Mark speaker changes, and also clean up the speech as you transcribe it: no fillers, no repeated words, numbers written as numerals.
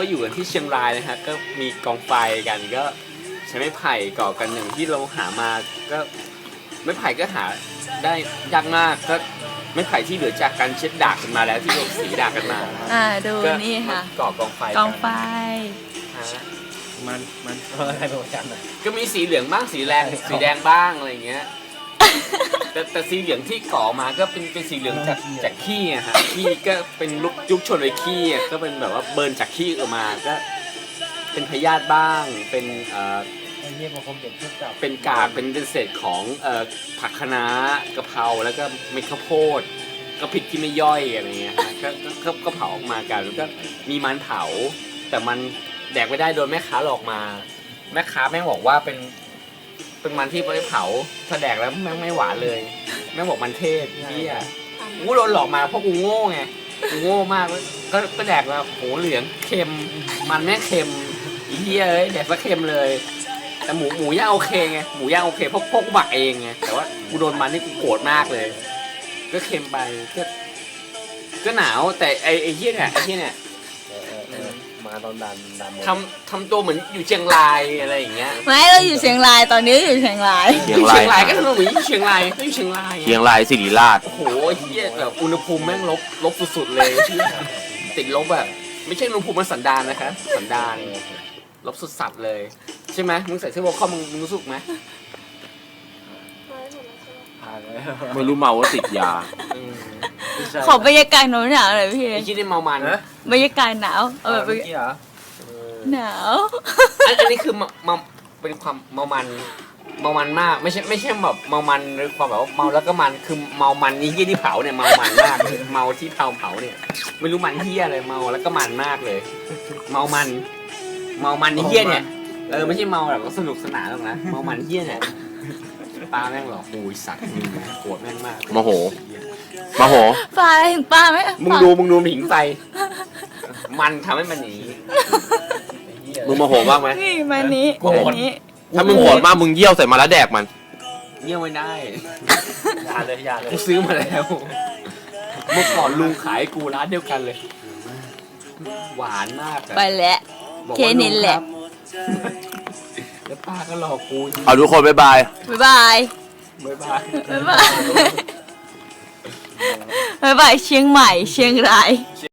Speaker 1: ก็อยู่กันที่เชียงรายนะฮะก็มีกองไฟกันก็ใช้ไม้ไผ่ก่อกันอย่างที่เราหามาก็ไม้ไผ่ก็หาได้ยากมากก็ไม้ไผ่ที่เหลือจากการเช็ดดากกันมาแล้วที่เราสีดากกันมา
Speaker 2: ดูนี่ค่ะ
Speaker 1: ก่อกองไฟ
Speaker 2: กองไฟ
Speaker 1: ฮะ
Speaker 3: มันอะไรประมาณนั้น
Speaker 1: ก็มีสีเหลืองบ้างสีแดงสีแดงบ้างอะไรอย่างเงี้ยแต่สีเหลืองที่ก่อมาก็เป็นสีเหลืองจากขี้อะฮะขี้ก็เป็นยุคชนเลยขี้อะก็เป็นแบบว่าเบิร์นจากขี้ออกมาก็เป็นพยาธิบ้างเป็น
Speaker 3: ไอ้เหี้ยมันคงเด็กเทียบกับ
Speaker 1: เป็นกากเป็นเศษของผักคะน้ากะเพราแล้วก็เม็ดข้าวโพดก็พริกที่ไม่ย่อยอะไรเงี้ยฮะก็เผาออกมากันแล้วก็มีมันเผาแต่มันแดกไม่ได้โดนแม่ค้าหลอกมาแม่ค้าแม่งบอกว่าเป็นมันที่ไม่ได้เผาถ้าแดกแล้วแม่งไม่หวานเลยแม่งบอกมันเทศเหี้ยกูโดนหลอกมาเพราะกูโง่ไงกูโง่มากก็แดกแล้วโหเหลืองเค็มมันแม่งเค็มเหี้ยเอ้ยแดกซะเค็มเลยแต่หมูย่างโอเคไงหมูย่างโอเคเพราะกูหมักเองไงแต่ว่ากูโดนมันนี่กูโกรธมากเลยก็เค็มไปก็หนาวแต่ไอ้เหี้ยเนี่ย
Speaker 3: มาตอนดัน
Speaker 1: ทำตัวเหมือนอยู่เชียงรายอะไรอย่างเงี้ย
Speaker 2: ไม่เราอยู่เชียงรายตอนนี้อยู่เชียงราย
Speaker 1: เชียงรายก็ทำตัวเหมือนอยู่เชียงรายก็อยู่เชียงราย
Speaker 4: เชียงรายศิริราช
Speaker 1: โอ้โหเหี้ยแบบอุณหภูมิแม่งลบสุดๆเลยติดลบแบบไม่ใช่อุณหภูมิมันสันดานนะคะสันดานลบสุดสัตว์เลยใช่ไหมมึงใส่เสื้อวอลคอมมึงรู้สึกไหม
Speaker 3: ผ่านเลย
Speaker 4: ไม่รู้เมาว่าติดยา
Speaker 2: ขอบรรยากาศหนาวๆหน่อยพี่
Speaker 1: ไอ้ที่ได้เมามัน
Speaker 2: บรรยากาศหนาวเอาแบบ
Speaker 3: เมื่อกี้เหรอ
Speaker 2: หนาว
Speaker 1: อันนี้คือมาเป็นความเมามันมากไม่ใช่แบบเมามันหรือความแบบว่าเมาแล้วก็มันคือเมามันนี่ที่เผาเนี่ยเมามันมากเมาที่เผาเนี่ยไม่รู้มันเหี้ยอะไรเมาแล้วก็มันมากเลย เมามันเหี้ยเนี่ยไม่ใช่เมาแบบสนุกสนานหรอกนะเมามันเหี้ยเนี่ยป้าแม่งหรอกโอ้ยสัตว์มึงโกรธแม่งมาก
Speaker 4: โมโห
Speaker 2: ป้าถึงป้าไหม
Speaker 1: มึงดูหิงไฟมันทำให้มันหนี
Speaker 4: มึงโมโหบ้างไหม
Speaker 2: นี่มานี้
Speaker 4: ถ้ามึงโหดมากมึงเยี่ยวใส่มาแล้วแดกมัน
Speaker 1: เยี่ยมไม่ได้
Speaker 3: ยาเลย
Speaker 1: กูซื้อมาแล้วเมื่อก่อนลุงขายกูร้านเดียวกันเลย หวานมากอะ
Speaker 2: ไปแล้ว
Speaker 1: บอก
Speaker 2: เค
Speaker 1: ว่า
Speaker 2: นินแหละ
Speaker 1: แล้วป้าก็หลอกกู
Speaker 4: เอาทุกคนบ๊ายบาย
Speaker 2: บ๊ายบาย
Speaker 1: บ๊ายบาย
Speaker 2: บ๊ายบาย บ๊ายบายเชียงใหม่เชียงราย